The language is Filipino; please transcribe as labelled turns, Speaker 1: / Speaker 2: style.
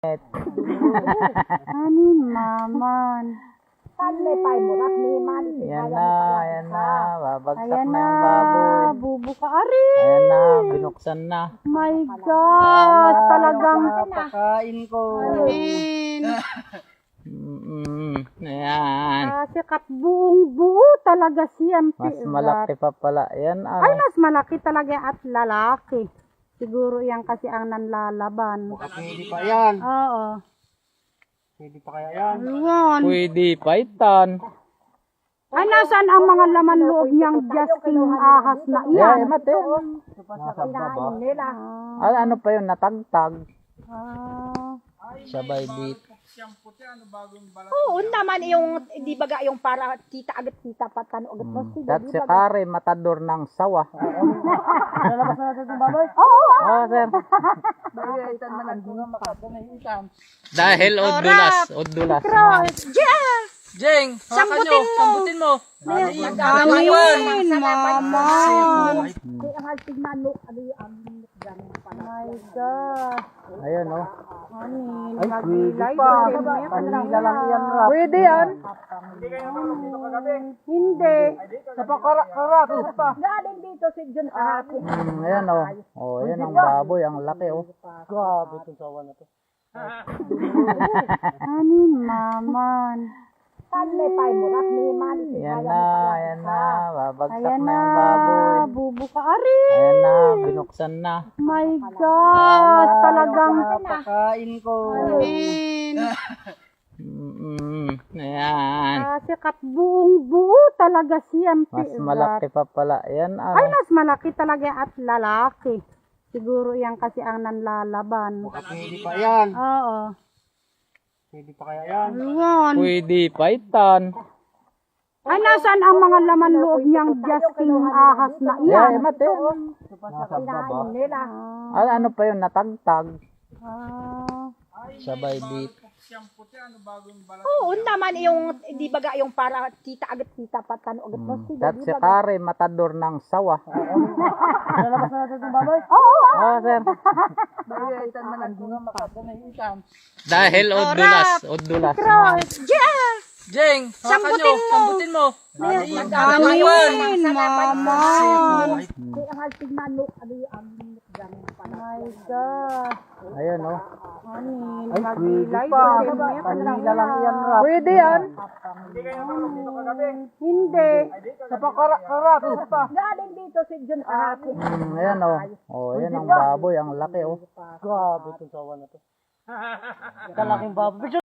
Speaker 1: Anin naman.
Speaker 2: Yan na. Babagsak
Speaker 1: Ayan
Speaker 2: na
Speaker 1: na.
Speaker 2: yung baboy.
Speaker 1: Bubuka. Ari!
Speaker 2: Ayan na, binuksan na.
Speaker 1: My God! Talagang
Speaker 3: Pakain ko.
Speaker 1: Anin.
Speaker 2: Ayan.
Speaker 1: Sikat buong buo talaga siyan.
Speaker 2: Mas malaki pa pala. Yan
Speaker 1: Ay, mas malaki talaga at lalaki. Siguro yan kasi ang nanlalaban.
Speaker 3: Pwede pa yan.
Speaker 1: Oo.
Speaker 3: Pwede pa kaya yan.
Speaker 1: Ayun.
Speaker 2: Pwede paitan.
Speaker 1: Ay, nasaan ang mga laman loob niyang Justin ahas na
Speaker 2: Yan,
Speaker 1: iyan?
Speaker 2: mate.
Speaker 3: Nasa baba.
Speaker 2: Ano pa yun, natagtag.
Speaker 1: Ah.
Speaker 2: Sabay bit.
Speaker 4: Oo naman yung di baga yung para kita agad kita patano agad mo
Speaker 2: At si Kare, matador ng sawa.
Speaker 3: Lalabas na natin yung baboy.
Speaker 2: Ah, sir.
Speaker 3: Itan man ang bunga makata na itan.
Speaker 2: Dahil odulas.
Speaker 1: Yes!
Speaker 3: Jeng, sambutin mo.
Speaker 1: Amin, mama.
Speaker 4: kaya ang haltig manok ano yung amok ganun pala.
Speaker 1: My God.
Speaker 2: Ayun, oh.
Speaker 1: Anin.
Speaker 3: Ay, pwede pa. Kanila lang yan, Rap.
Speaker 2: Pwede yan.
Speaker 1: Hindi.
Speaker 3: Sa pakarak, pa.
Speaker 4: Galing dito si John kahapon.
Speaker 2: Ayan, oh. Oh, ayan ang baboy, ang laki, oh.
Speaker 3: Grabe itong sawa na to.
Speaker 1: Anin naman.
Speaker 2: Yan na. Babagsak
Speaker 1: Ayan
Speaker 2: na
Speaker 1: na.
Speaker 2: yung baboy.
Speaker 1: Bubuka. Ari!
Speaker 2: Ayan na, binuksan na.
Speaker 1: My God! Talagang
Speaker 3: Pakain ko.
Speaker 1: Anin.
Speaker 2: Ayan.
Speaker 1: Sikat buong buo talaga siyan.
Speaker 2: Mas malaki pa pala. Yan,
Speaker 1: Ay, mas malaki talaga at lalaki. Siguro yan kasi ang nanlalaban.
Speaker 3: Pwede pa yan.
Speaker 1: Oo.
Speaker 3: Pwede pa kaya yan.
Speaker 1: Ayun.
Speaker 2: Pwede paitan.
Speaker 1: Ay, nasaan ang mga laman loob niyang Justin ahas na
Speaker 2: Yan,
Speaker 1: iyan?
Speaker 2: mate.
Speaker 3: Nasa baba.
Speaker 2: Ano pa yun, natagtag.
Speaker 1: Ah.
Speaker 2: Sabay bit.
Speaker 4: Oo naman yung di baga yung para kita agad kita patano agad mo
Speaker 2: At si Kare, matador ng sawa.
Speaker 3: Lalabas na natin yung baboy.
Speaker 2: Ah, sir.
Speaker 3: Itan man ang bunga makata na itan.
Speaker 2: Dahil odulas.
Speaker 1: Yes!
Speaker 3: Jeng, sambutin mo.
Speaker 1: Amin, mama.
Speaker 4: kaya ang haltig manok ano yung amok ganun pala.
Speaker 1: My God.
Speaker 2: Ayun, oh.
Speaker 1: Anin.
Speaker 3: Ay, pwede pa. Kanila lang yan, Rap.
Speaker 2: Pwede yan.
Speaker 1: Hindi.
Speaker 3: Sa pakarak, pa.
Speaker 4: Galing dito si John kahapon.
Speaker 2: Ayan, oh. Oh, ayan ang baboy, ang laki, oh.
Speaker 3: Grabe itong sawa na to. Kalaking baboy.